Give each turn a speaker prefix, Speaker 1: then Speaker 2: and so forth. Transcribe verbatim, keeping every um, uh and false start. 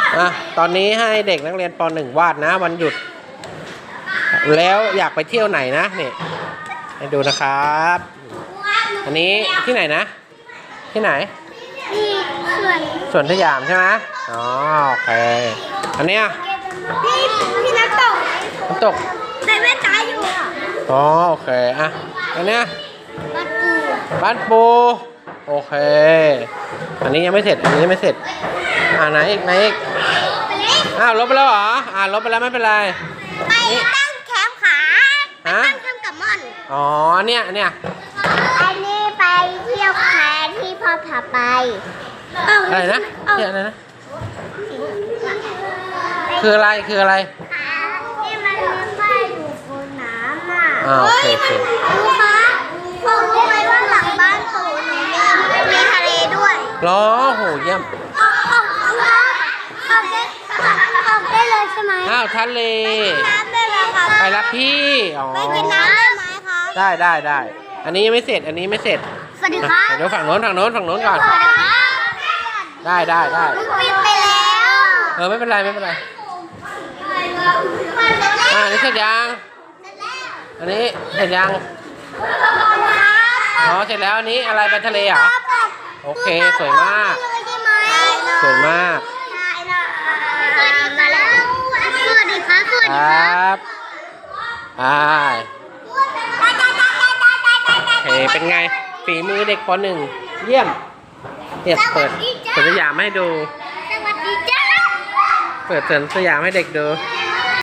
Speaker 1: อ่ะตอนนี้ให้เด็กนักเรียนป หนึ่ง วาดนะวันหยุดแล้วอยากไปเที่ยวไหนนะนี่ให้ดูนะครับอันนี้ที่ไหนนะที่ไหน
Speaker 2: ที่สวน
Speaker 1: สวนสยามใช่ไหมอ๋อโอเคอันเนี้ย
Speaker 2: พี่พี่นักตก
Speaker 1: น้ำตก
Speaker 2: ใส่แว่นตาอยู่อ่ะ
Speaker 1: อ๋อโอเคอ่ะอันเนี้ย
Speaker 2: บ้านปู
Speaker 1: บ้านปูโอเคอันนี้ยังไม่เสร็จอันนี้ยังไม่เสร็จอ่าไหนอีกไหนอีกอ้าวลบไปแล้วเหรออ่าลบไปแล้วไม่เป็นไร
Speaker 2: ไปตั้งแคมป์ขาไปตั้งแคมป์กับม่อน
Speaker 1: อ๋อเนี่ยเนี่ย
Speaker 2: อันนี้ไปเที่ยวแคมป์ที่พ่อพาไป
Speaker 1: อะไรนะเนี่ยอะไรนะคืออะไรคืออะไร
Speaker 2: ที่มันมีป้ายอยู่บนน้ำอ่ะ
Speaker 1: อ่าโอเคโอเค
Speaker 2: ครูคะพ่อรู้ไหมว่าหลังบ้านปู่มีมีทะเลด้วย
Speaker 1: รอโหเยี่ยม
Speaker 2: ออกออกออกออกได้ออกได้เลยใช่ไหม
Speaker 1: อ้าวทะเล
Speaker 2: น้ำได้ไหมคะ
Speaker 1: ไปรับพี่อ๋อ
Speaker 2: ไปกินน้ำได้ไหมคะ
Speaker 1: ได้ได้ได้อันนี้ยังไม่เสร็จอันนี้ไม่เสร็จ
Speaker 2: สวัสดีครับ
Speaker 1: เดี๋ยวฝั่งโน้นฝั่งโน้นฝั่งโน้นก่อน
Speaker 2: สวัสดีครับ
Speaker 1: ได้ได้ได้
Speaker 2: ปิดไปแล้ว
Speaker 1: เออไม่เป็นไรไม่เป็นไรอ่านี่เสร็จยังอันนี้เสร็จยังอ๋อเสร็จแล้วอันนี้อะไรไปทะเลเหรอโอเคสวยมากสวยมาก
Speaker 2: สวัสดีมาแล้วสวัสดีครับสวัสดี
Speaker 1: ครับอ่าโอเคเป็นไงฝีมือเด็กป หนึ่งเยี่ยมเนี่ยเปิดสวนสยามให้ดู
Speaker 2: สวัสดีจ้า
Speaker 1: เปิดสวนสยามให้เด็กดู
Speaker 2: ส